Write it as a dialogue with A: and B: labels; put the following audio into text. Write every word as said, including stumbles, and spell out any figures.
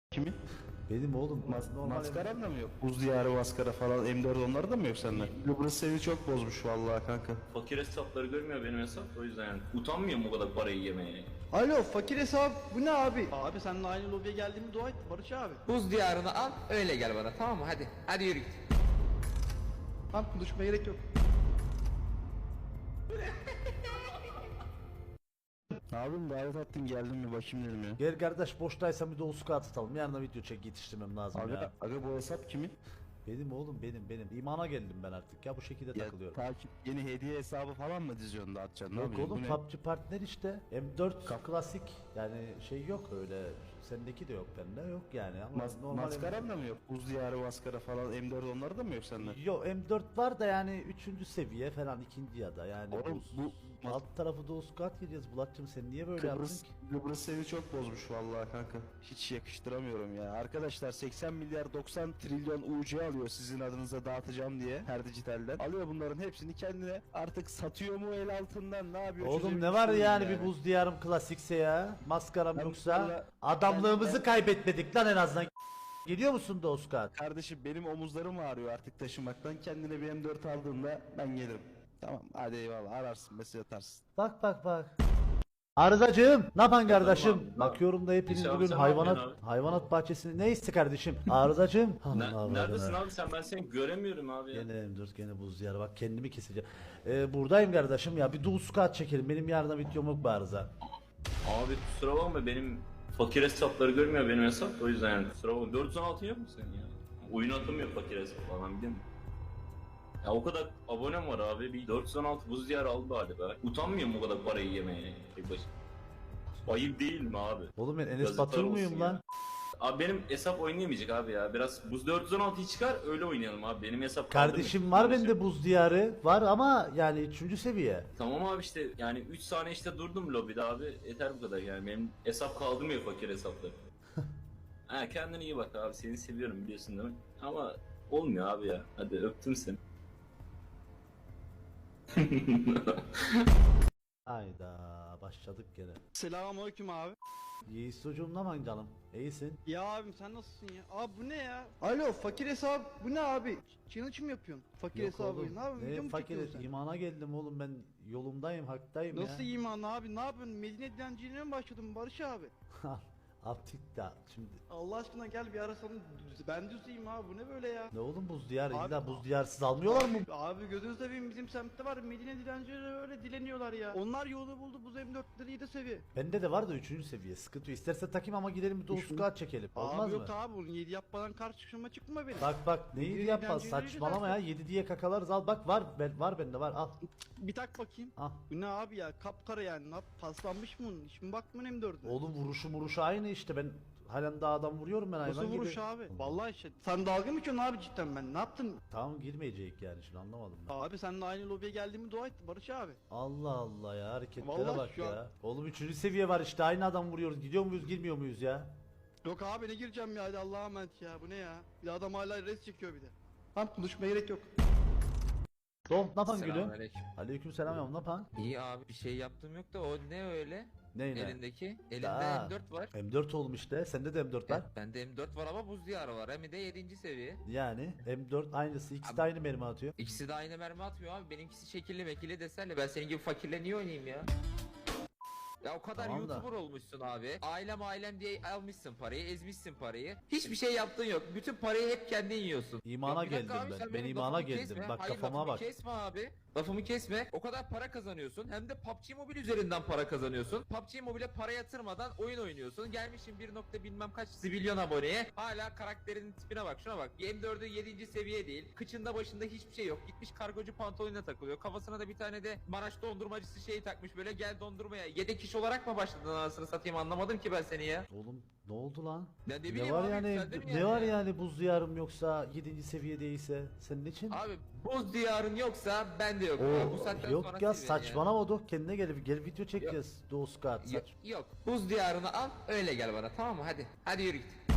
A: Kimin?
B: Benim oğlum.
A: Mas
B: Normal
A: maskaran da mı yok? Buz diyarı maskara falan M dört onları da mı yok sende? Kıbrıs seni çok bozmuş vallahi kanka.
C: Fakir hesapları görmüyor benim hesap, o yüzden yani utanmıyor mu o kadar parayı yemeye?
D: Alo fakir hesap bu ne abi? Abi seninle aynı lobiye geldiğimi dua et Barış abi.
E: Buz diyarını al öyle gel bana, tamam mı? Hadi hadi yürü git.
D: Tamam konuşmaya gerek yok.
A: Ne yapayım, davet attın geldim mi bakayım dedim ya.
B: Gel kardeş, boştaysa bir de Uska atalım. Yarın video çek yetiştirmem lazım
A: Aga,
B: ya.
A: aga bu hesap kimin?
B: Benim oğlum benim benim. İmana geldim ben artık ya, bu şekilde
A: Ya
B: takılıyorum.
A: takip yeni hediye hesabı falan mı diziyorsun da atacaksın? Ne
B: Yok
A: yapıyorsun?
B: oğlum,
A: Bu ne?
B: P U B G partner işte. M dört klasik yani, şey yok öyle. Sendeki de yok, bende yok yani ama
A: Mas
B: normal.
A: maskaran da mı yok? Buz diyarı maskara falan M dört onları da mı yok sende?
B: Yo, M dört var da yani üçüncü seviye falan, ikinci ya da yani.
A: Oğlum, bu-
B: alt tarafı da Uskat gireceğiz. Bulat'cığım sen niye böyle
A: Kıbrıs,
B: yaptın ki?
A: Kıbrıs seni çok bozmuş vallahi kanka. Hiç yakıştıramıyorum ya. Arkadaşlar seksen milyar doksan trilyon U C alıyor sizin adınıza dağıtacağım diye her dijitalden. Alıyor bunların hepsini kendine, artık satıyor mu el altından, ne yapıyor?
B: Oğlum ne var yani, bir buz diyarım klasikse ya. Maskaram
A: Ben
B: yoksa
A: bunlarla-
B: adamlığımızı
A: ben-
B: kaybetmedik lan en azından. Geliyor musun da Uskat?
A: Kardeşim benim omuzlarım ağrıyor artık taşımaktan. Kendine bir M dört aldığında ben gelirim. Tamam hadi eyvallah, ararsın mesaj atarsın.
B: Bak bak bak. Arızacığım, ne yapan kardeşim?
C: abi, ne
B: Bakıyorum da hepiniz
C: İnşallah
B: bugün
C: sen ne
B: hayvanat
C: yapıyorsun
B: hayvanat bahçesinde ne isti kardeşim? Arızacığım.
C: Ne,
B: Allah Allah
C: neredesin
B: Allah.
C: abi sen? Ben seni göremiyorum abi ya.
B: Gene M dört, gene buz diyarı, bak kendimi keseceğim. Ee, buradayım kardeşim ya, bir de Uskat çekelim. Benim yarına videom yok bu arıza.
C: Abi kusura bakma, benim fakir hesapları görmüyor benim hesap, o yüzden yani kusura bakma. dört yüz on altı yok mu senin ya? Oyun atamıyor fakir hesap falan, biliyor musun? Ya o kadar abonem var abi, bir dört yüz on altı buz diyarı aldı galiba. Utanmıyor mu o kadar parayı yemeye tek başına? Ayıp değil mi abi?
B: Oğlum ben Enes
C: Yazıklar
B: Batur
C: olsun
B: muyum
C: ya.
B: lan?
C: Abi benim hesap oynayamayacak abi ya. Biraz buz dört yüz on altıyı çıkar öyle oynayalım abi. Benim hesap
B: Kardeşim
C: kaldırmıyor.
B: var bende buz diyarı. Var ama yani üçüncü seviye.
C: Tamam abi, işte yani üç saniye işte durdum lobide abi. Yeter bu kadar yani. Benim hesap kaldırmıyor fakir hesapları. Ha, kendine iyi bak abi. Seni seviyorum biliyorsun değil mi? Ama olmuyor abi ya. Hadi öptüm seni.
B: Hayda, başladık gene.
D: Selamünaleyküm abi.
B: Yiğit çocuğum, ne yapan canım? İyisin.
D: Ya abim sen nasılsın ya? Abi bu ne ya? Alo fakir hesap bu ne abi? Challenge mı yapıyorsun? Fakir
B: Yok
D: hesabı
B: oğlum,
D: ne yapıyorsun?
B: ne
D: Video mu
B: fakir
D: çekiyorsun sen?
B: imana geldim oğlum, ben yolumdayım, haktayım
D: Nasıl
B: ya.
D: iman abi ne yapıyorsun? Medine dilenciliğine mi başladın Barış abi?
B: Artık da şimdi
D: Allah aşkına gel bir arasalım. Ben düzeyim abi bu ne böyle ya?
B: ne oğlum, buz diyar
D: Abi-
B: illa buz diyarsız almıyorlar mı?
D: Abi gözünü seveyim, bizim semtte var Medine dilencileri öyle dileniyorlar ya. Onlar yolu buldu bu M dörtleri yedi seviye.
B: Bende de var da üçüncü seviye, sıkıntı yok. İsterse takayım ama gidelim bir de Uskat çekelim. Olmaz
D: Abi
B: mı?
D: yok abi bunun yedi yapmadan karşıma çıkma benim.
B: Bak bak neyi
D: Yedi
B: yapma,
D: dilencileri
B: saçmalama ya,
D: güzel.
B: yedi diye kakalarız, al bak, var ben, var bende var, al.
D: Bir tak bakayım.
B: Al.
D: Bu ne abi ya kapkara yani ne yap paslanmış mı bunun? Hiç mi bakmın M dörtüne?
B: Oğlum vuruşu muruşu aynı işte, ben halen daha adam vuruyorum ben hayvan
D: Nasıl
B: gibi.
D: vuruş abi? Vallahi işte. Sen dalga mı geçiyorsun abi cidden ben? Ne yaptın?
B: Tamam, girmeyecek yani, şimdi anlamadım ben.
D: Abi seninle aynı lobiye geldiğimi dua et Barış abi.
B: Allah Allah ya, hareketlere
D: Vallahi
B: bak
D: şu an-
B: ya. Oğlum üçüncü seviye var işte, aynı adam vuruyoruz. Gidiyor muyuz girmiyor muyuz ya?
D: Yok abi ne gireceğim ya hadi Allah'a emanet ya bu ne ya? Bir de adam hala res çekiyor bir de. Tamam konuşmaya gerek yok.
B: Doğum ne yapan gülüm?
E: Selamünaleyküm.
B: Aleyküm selam ya, ne yapan?
E: İyi abi, bir şey yaptığım yok da o ne öyle?
B: Neyine?
E: Elindeki. Elinde
B: Aa,
E: M dört var.
B: M dört oğlum işte, sende de M dört var.
E: Evet, bende M dört var ama buz diyarı var. Hem de yedinci seviye.
B: Yani M dört aynısı, ikisi de
E: Abi-
B: aynı mermi atıyor.
E: İkisi de aynı mermi atmıyor abi. Benimkisi şekilli mekilli desenli. Ben senin gibi fakirle niye oynayayım ya? Ya o kadar
B: Tamam da.
E: YouTuber olmuşsun abi. Ailem ailem diye almışsın parayı, ezmişsin parayı. Hiçbir şey yaptığın yok. Bütün parayı hep kendin yiyorsun.
B: İmana
E: Yok, bir dakika
B: geldim
E: abi,
B: ben.
E: sen
B: Ben
E: benim
B: imana
E: lafımı
B: geldim.
E: kesme.
B: Bak
E: Hayır,
B: kafama
E: lafımı
B: bak.
E: kesme abi. Lafımı kesme. O kadar para kazanıyorsun. Hem de P U B G Mobile üzerinden para kazanıyorsun. P U B G Mobile para yatırmadan oyun oynuyorsun. Gelmişsin bir nokta bilmem kaç zibilyon aboneye. Hala karakterinin tipine bak. Şuna bak. M dördü yedinci seviye değil. Kıçında başında hiçbir şey yok. Gitmiş kargocu pantolonuna takılıyor. Kafasına da bir tane de Maraş dondurmacısı şeyi takmış. Böyle gel dondurmaya. Yedek iş olarak mı başladın anasını satayım, anlamadım ki ben seni ya.
B: Oğlum ne oldu lan?
E: Ben ne
B: Ne
E: bileyim
B: var
E: abi,
B: yani,
E: yükseldim
B: ne
E: yani
B: var
E: ya.
B: yani buz diyarım yoksa yedinci seviye değilse senin için?
E: Abi buz diyarın yoksa ben de yok.
B: Oo,
E: Bu saatten
B: yok
E: sonra
B: ya,
E: sil beni
B: saçmalama Doh, kendine gel, gel video çekeceğiz. Doğu Skat
E: Yok,
B: saç.
E: yok. Buz diyarını al öyle gel bana, tamam mı? Hadi. Hadi yürü git.